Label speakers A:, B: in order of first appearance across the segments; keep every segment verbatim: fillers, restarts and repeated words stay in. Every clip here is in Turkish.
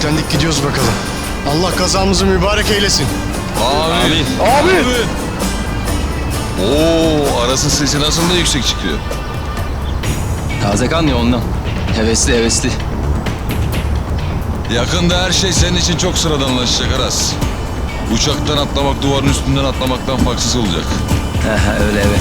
A: Yüklendik gidiyoruz bakalım. Allah kazamızı mübarek eylesin.
B: Amin.
A: Amin.
B: Oo, Aras'ın sesi nasıl da yüksek çıkıyor.
C: Taze kan ya ondan. Hevesli hevesli.
B: Yakında her şey senin için çok sıradanlaşacak Aras. Uçaktan atlamak duvarın üstünden atlamaktan farksız olacak.
C: Aha, öyle evet.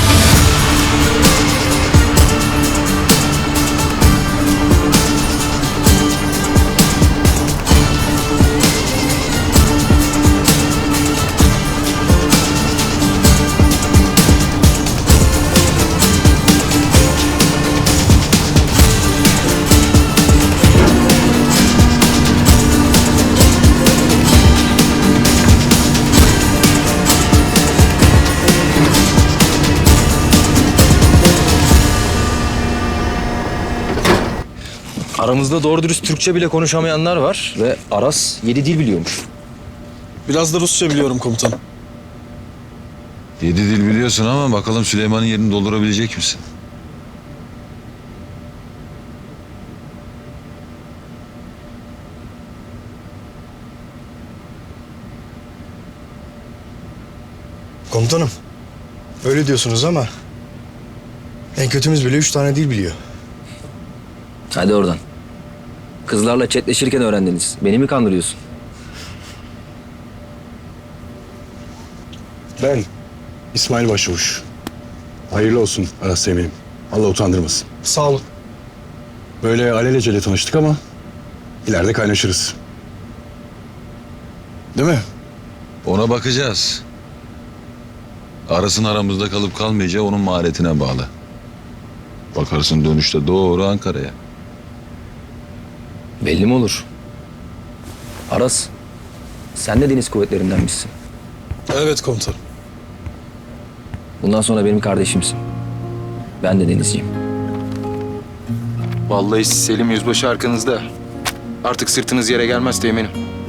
C: Aramızda doğru dürüst Türkçe bile konuşamayanlar var ve Aras yedi dil biliyormuş.
D: Biraz da Rusça biliyorum komutanım.
B: Yedi dil biliyorsun ama bakalım Süleyman'ın yerini doldurabilecek misin?
A: Komutanım. Öyle diyorsunuz ama en kötümüz bile üç tane dil biliyor.
C: Hadi oradan. Kızlarla chatleşirken öğrendiniz. Beni mi kandırıyorsun?
E: Ben İsmail Başçavuş. Hayırlı olsun Aras Teğmen'im. Allah utandırmasın.
A: Sağ olun.
E: Böyle alelacele tanıştık ama ileride kaynaşırız. Değil mi?
B: Ona bakacağız. Aras'ın aramızda kalıp kalmayacağı onun maharetine bağlı. Bakarsın dönüşte doğru Ankara'ya.
C: Belli mi olur? Aras, sen de deniz kuvvetlerindenmişsin.
D: Evet komutanım.
C: Bundan sonra benim kardeşimsin. Ben de denizciyim.
F: Vallahi Selim Yüzbaşı arkanızda. Artık sırtınız yere gelmez teğmenim.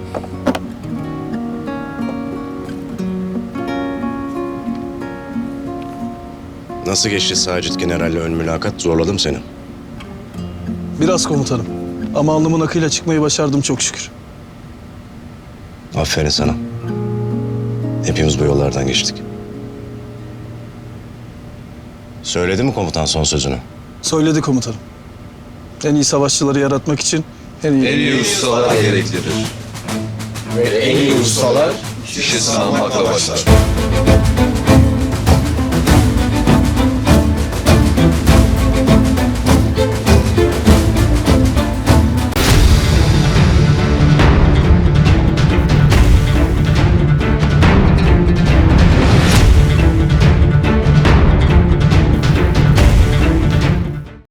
G: Nasıl geçti Sacit General'le ön mülakat? Zorladım seni.
D: Biraz komutanım. Ama alnımın akıyla çıkmayı başardım çok şükür.
G: Aferin sana. Hepimiz bu yollardan geçtik. Söyledi mi komutan son sözünü?
D: Söyledi komutanım. En iyi savaşçıları yaratmak için en iyi...
B: En iyi ustalar gereklidir. Ve en iyi ustalar kişi sınanmakla başlar.